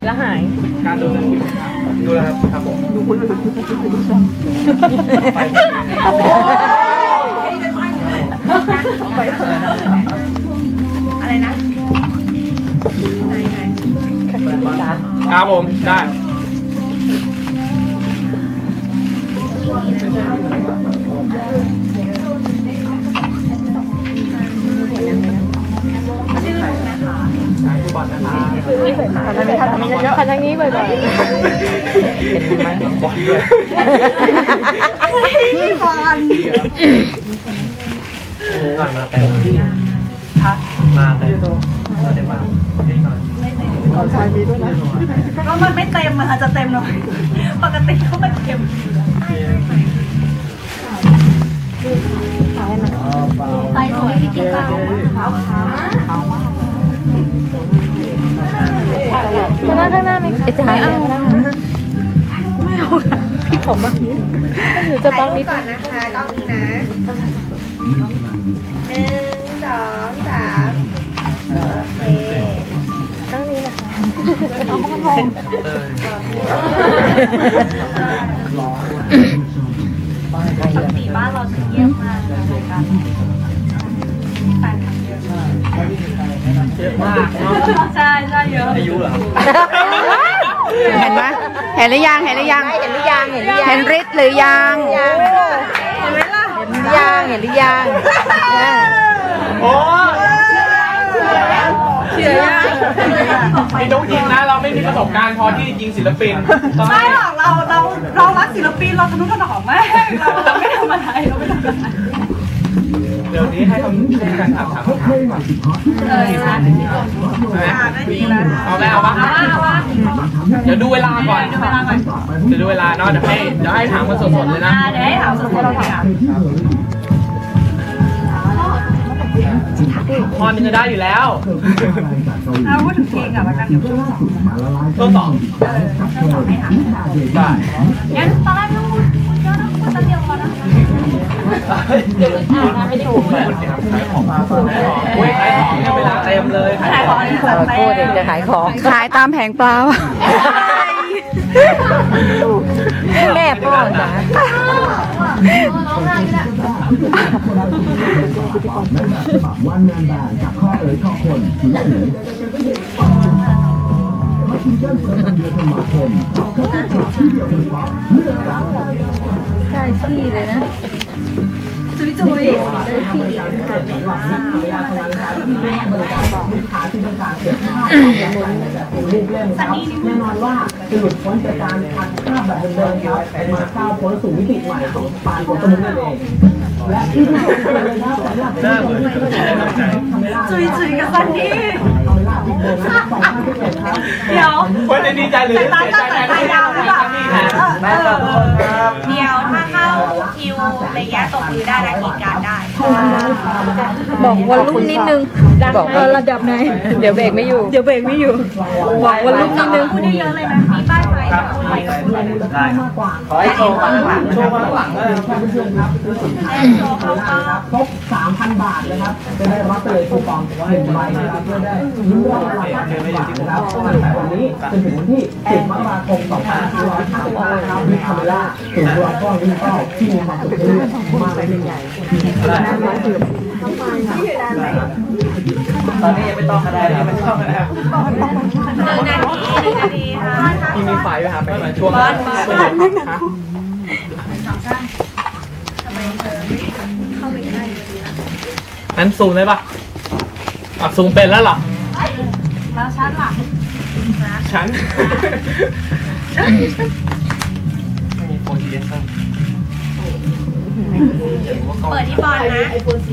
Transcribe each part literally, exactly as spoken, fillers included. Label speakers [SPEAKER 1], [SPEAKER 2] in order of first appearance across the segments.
[SPEAKER 1] แล้วหาย
[SPEAKER 2] การดูดูแล้วครับครับผมดูคุณ
[SPEAKER 3] อะไรนะ
[SPEAKER 2] ครับผมได้
[SPEAKER 1] ทางนี้ทางนี้เยอะๆทางนี้บ่อยๆ
[SPEAKER 3] พี่บอล
[SPEAKER 2] มาแต่มาแต่มาแต่มา
[SPEAKER 3] ก็มันไม่เต็มมันอาจจะเต็มหน่อยปกติเขาไม่เต็มไปสวยที่กิ๊กเราขาวขาวขาวมาก
[SPEAKER 1] ข้างหน้าข้างหน้าไม่จะไม่เอา
[SPEAKER 3] ไม่เอาค่ะ
[SPEAKER 1] พี่ผมบ้างนิดหรือจะบ้างนิด
[SPEAKER 3] ก่อนนะคะต้องนี้นะหนึ่งสองสามโอเค
[SPEAKER 1] ต้องนี้นะคะ
[SPEAKER 3] เอาข้างบนปกติบ้านเราจะเยี่ยมมากเลยกันแฟนคลับเยอะมาก
[SPEAKER 2] เยอะมากเนาะ
[SPEAKER 3] ใช่ใช่เยอะ
[SPEAKER 2] อายุเหรอ
[SPEAKER 4] เห็นไหมเห็นหรือยังเห็นหรือยัง
[SPEAKER 1] เห็นหรือยังเห็นหรือยัง
[SPEAKER 4] เห็นฤทธิ์หรือยัง
[SPEAKER 3] เห็นไหมล่ะ
[SPEAKER 1] เห็นหรือยังเห็นหรือยัง
[SPEAKER 2] โอ้
[SPEAKER 3] เชื่อยัง
[SPEAKER 2] ไอ้น้องยิงนะเราไม่มีประสบการณ์พอที่ยิงศิลปิน
[SPEAKER 3] ไม่หรอกเราเราเรารักศิลปินเราทะนุถนอมแม่เราเราไม่ทำอะไรเราไม่ทำอะไร
[SPEAKER 2] เดี๋ยวนี้ให้คำการถามถามคำถามก่อน
[SPEAKER 3] เลยนะได้ดีแล้ว
[SPEAKER 2] เอาแล้วเอาปะเดี๋ยวดูเวลาก่อนเดี๋ยวดูเวลาเนาะเดี๋ยวให้เดี๋ยวให้ถามกันสดๆเลยนะ
[SPEAKER 3] เดี๋ยวให้ถามสดๆเราถาม
[SPEAKER 2] พอนึงจะได้อยู่แล้ว
[SPEAKER 3] เอาพูดถึงเพลงอ่ะแล้วกันเดี๋ยวช่วงสอง
[SPEAKER 2] ช่วงสอง
[SPEAKER 3] ช่วงสองให้ถามได้งั้นตอนแรกไม่ต้องพูดเยอะนะพูดแป๊บเดียวพอนะ
[SPEAKER 1] เดี๋ยวอ่านไม่ถูกเลย
[SPEAKER 2] ขายของมาขายของเวลาเต็มเลย
[SPEAKER 3] ขายของ
[SPEAKER 1] โคตรเด็กจะขายของ
[SPEAKER 4] ขายตามแผงปลา
[SPEAKER 1] แม่พ่อจ้ะ
[SPEAKER 5] วันงานแบนกับข้อเอ๋ยข้อคนถือว่าเหนือมาชิงเกิลประจำเดือนธันวาคมเขาจะจับที่เดียวกันปั๊บเลือกแล้ว
[SPEAKER 1] ใช่ที่เลยนะ
[SPEAKER 3] จุ๊ยจุ๊ย
[SPEAKER 5] แน่นอนว่าจะหลุดพ้นจากการพันภาพแบบเดิมๆครับมาก้าวพ้นสู่มิติใหม่ของปานของสมุนนั่นเองและที่ที่สุดเลยนะสำหรับที่ผมไม่เคยได้รับใจ
[SPEAKER 3] จุ๊ยจุ๊ยกับซันนี่เดี๋ยว
[SPEAKER 2] คนจะดีใจหรือเสียใจ
[SPEAKER 3] แทนยาวหรือเปล่าเดี๋ยวถ้าเข้าคิวระยะตกมือได้และกีดการได้
[SPEAKER 1] บอกวันรุ่งนิดนึงบอกระดับไหนเดี๋ยวเบรกไม่อยู่เดี๋ยวเบรกไม่อยู่บอกวันรุ่งนิดนึง
[SPEAKER 3] พูดเยอะเลยนะมีป้ายไฟ
[SPEAKER 2] ได้ขอให้โชว์ข้างหลังโชว์ข้างหลังเลยเพื่อนๆครับ
[SPEAKER 5] ครบ สามพัน บาทนะครับจะได้รับไปเลยคูปองหนึ่งใบนะครับเพื่อได้ลุ้นรางวัลหลักพันบาทนะครับตั้งแต่วันนี้จนถึงวันที่สิบมกราคมสองพันห้าร้อยสามสิบห้านะครับวิคาเมล่าถึงรางวัลวินเป้าที่มีความสุขเรื่อยๆมาเป็นใหญ่
[SPEAKER 2] ตอนนี้ยังไม่ต้องก็ได้นะไม่ต้องก็ได้
[SPEAKER 3] หนึ่งนาทีหนึ่งนาทีค่ะ
[SPEAKER 2] มีมีไฟไหมครับไปช่วง
[SPEAKER 3] บอลบอล
[SPEAKER 2] นั้นซูมได้ปะอ่ะซูมเป็นแล้วหรอ
[SPEAKER 3] แล้วชั้นล่ะ
[SPEAKER 2] ชั้นไม่มีโฟนดีเอส
[SPEAKER 3] เปิดที่บอลนะ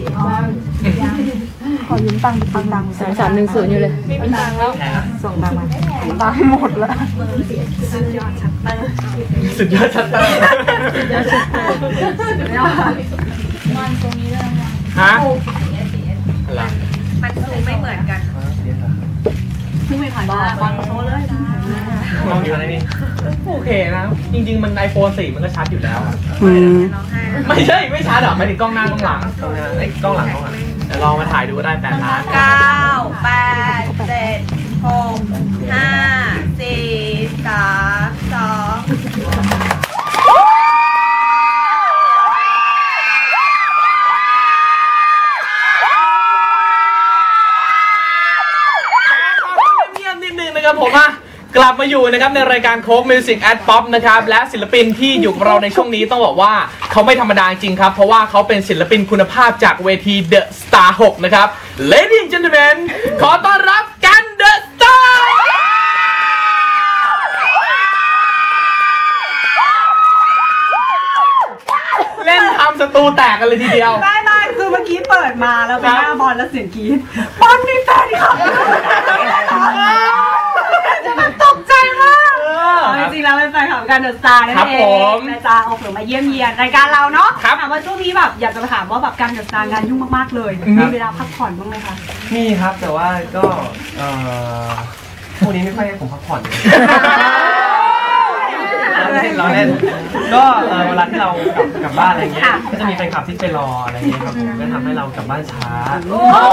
[SPEAKER 1] ขอยืมตังค์ตังค์ตังค์สามสามหนึ่งศูนย์อยู่เลย
[SPEAKER 3] ไม่มีตังค์แล้ว
[SPEAKER 1] ส่งตังค์มาตังค์หมดแล้ว
[SPEAKER 3] สุดยอดชัตเตอร์
[SPEAKER 2] สุดยอดชัตเตอร์
[SPEAKER 3] สุดยอดชัตเตอร์สุดยอดมันตรงนี้เลย
[SPEAKER 2] ฮะ
[SPEAKER 3] มันซูมไม่เหมือนกันซูมไม่ผ่านบอลโชว์เลย
[SPEAKER 2] มองอยู่อะไรนี่โอเคนะจริงๆมันไอโฟนสี่มันก็ชัดอยู่แล้วไม่ใช่ไม่ชัดหรอกไม่ถึงกล้องหน้ากล้องหลังไอ้กล้องหลังกล้องหลังเดี๋ยวลองมาถ่ายดูได้แปดล้าน
[SPEAKER 3] เก้าแปดเจ็ดหกห้าสี่
[SPEAKER 2] กลับมาอยู่นะครับในรายการโค้กมิวสิกแอดป๊อปนะครับและศิลปินที่อยู่กับเราในช่วงนี้ต้องบอกว่าเขาไม่ธรรมดาจริงครับเพราะว่าเขาเป็นศิลปินคุณภาพจากเวที The Star หกนะครับ Ladies and Gentlemen ขอต้อนรับกัน The Star เล่นทำสตูแตกกันเลยทีเดียว
[SPEAKER 6] ได้ได้คือเมื่อกี้เปิดมาแล้วเป็นหน้าบอลแล้วเสียงกรี๊ดบอลนี่แฟนคลับตกใจมากจริงๆแล้วเป็นแฟนคลับกันเดอะสตาร์นั่นเองนะจ๊ะเอาเผื่อมาเยี่ยมเยียนรายการเราเนาะถามว่าช่วงนี้แบบอยากจะถามว่าแบบการเดอะสตาร์งานยุ่งมากๆเลยมีเวลาพักผ่อนบ้างไหมคะ
[SPEAKER 7] มีครับแต่ว่าก็เอ่อพวกนี้ไม่ค่อยให้ผมพักผ่อนเลยเราเล่นเราเล่นก็เอ่อเวลาที่เรากลับกลับบ้านอะไรเงี้ยก็จะมีแฟนคลับที่ไปรออะไรเงี้ยครับผมก็ทำให้เรากลับบ้านช้า